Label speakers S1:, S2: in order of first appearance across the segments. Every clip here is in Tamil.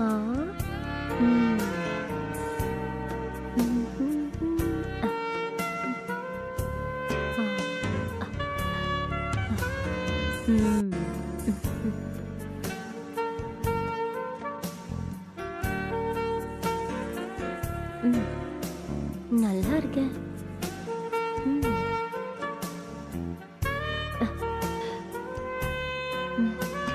S1: ஆ. ம். ஆ. ம். ம். நல்லா இருக்கே. ம். ம்.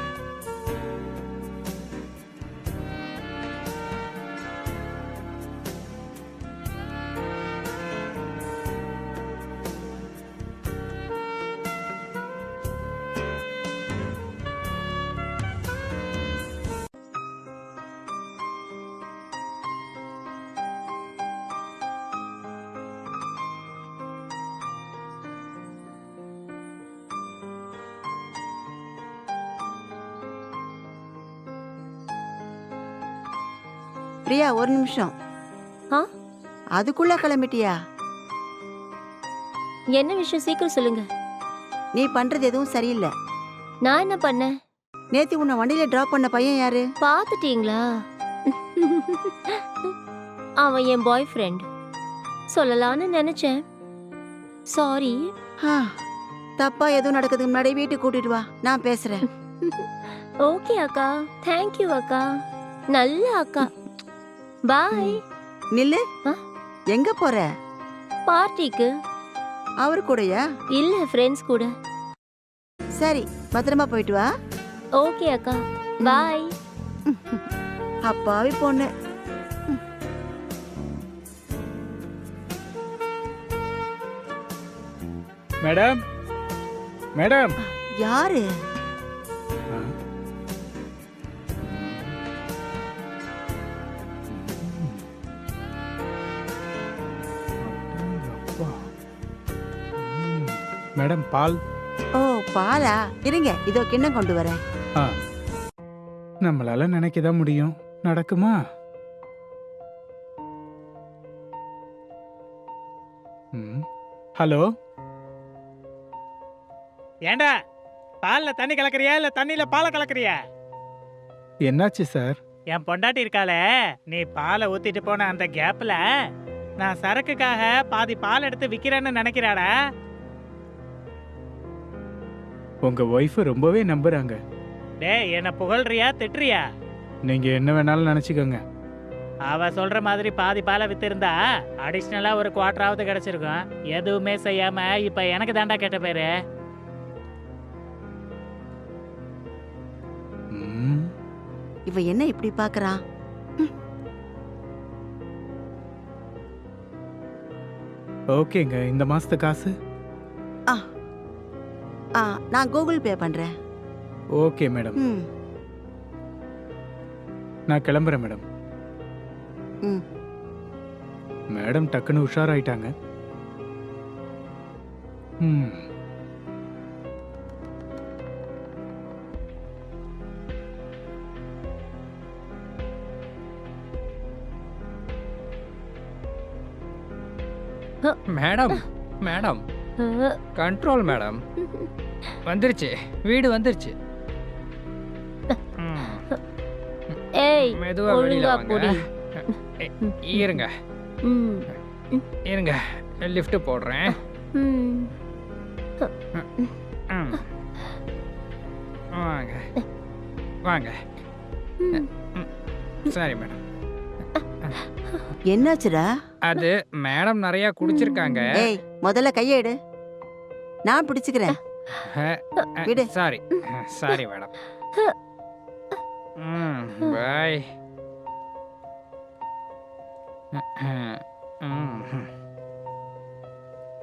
S2: பிரியா, ஒரு நிமிஷம்.
S1: ஆ?
S2: அதுக்குள்ள கிளம்பிட்டியா?
S1: என்ன விஷயம் சீக்கிரம் சொல்லுங்க.
S2: நீ பண்றது எதுவும் சரியில்லை.
S1: நான் என்ன பண்ணேன்?
S2: நேத்து உன்னை வண்டியில டிராப் பண்ண பையன் யாரு?
S1: பாத்துட்டீங்களா? அவன் என் பாய் ஃப்ரெண்ட். சொல்லலாம்னு நினைச்சேன். சாரி.
S2: ஆ, தப்பா எதுவும் நடக்கிறதுக்கு முன்னாடி வீட்டுக்கு கூட்டிட்டு வா, நான் பேசுறேன்.
S1: ஓகே அக்கா. தேங்க்யூ அக்கா. நல்ல அக்கா. பாய்.
S2: நில்லு.
S1: ஆ?
S2: எங்க போற?
S1: பார்ட்டிக்கு.
S2: அவரு கூடயா?
S1: இல்ல, ஃப்ரெண்ட்ஸ் கூட.
S2: சரி, பத்திரமா போயிட்டு வா.
S1: ஓகே அக்கா. பாய்.
S2: அப்பாவி பொண்ணு.
S3: Madam, madam.
S2: யாரு?
S3: மேடம், பால்.
S2: ஓ, பாலா? இருங்க, இதோ கிண்ணம் கொண்டு வரேன்.
S3: நம்மளால நினைக்கதான் முடியும், நடக்குமா? ஹலோ.
S4: ஏண்டா, பால்ல தண்ணி கலக்கறியா இல்ல தண்ணியில பாலை கலக்கறியா?
S3: என்னாச்சு சார்?
S4: என் பொண்டாட்டி இருக்காளே, நீ பாலை ஊத்திட்டு போன அந்த கேப்ல நான் சரக்குக்காக பாதி பால் எடுத்து விக்கிறேன்னு நினைக்கிறாடா.
S3: உங்க ஒய்ஃப் ரொம்பவே நம்புறாங்க.
S4: டேய், என்ன புகழ்றியா திட்டுறியா?
S3: நீங்க என்ன வேணாலும் நினைச்சுக்கோங்க.
S4: அவ சொல்ற மாதிரி பாதி பாலை வித்திருந்தா அடிஷ்னலா ஒரு குவார்டராவது கிடைச்சிருக்கும். எதுவுமே செய்யாம இப்ப எனக்கு தாண்டா கெட்ட பேரு.
S2: இவ என்ன இப்படி பாக்குறான்?
S3: ஓகேங்க, இந்த மாசத்து காசு
S2: நான் கூகுள் பே பண்றேன்.
S3: Okay madam. நான் கிளம்புறேன் மேடம். மேடம் டக்குன்னு உஷாராயிட்டாங்க.
S5: Madam, madam, control madam. வந்துருச்சு, வீடு வந்துருச்சு.
S1: ஏய்,
S5: மெதுவா வெளியில வாங்க. இருங்க இருங்க, லிஃப்ட் போடுறேன். வாங்க வாங்க. சரி மேடம்.
S2: என்னாச்சுடா?
S5: அது மேடம் நிறைய குடிச்சிருக்காங்க.
S2: ஏய், முதல்ல கையை எடு, நான் பிடிச்சுக்கிறேன். விடு.
S5: Sorry sorry madam. பாய்.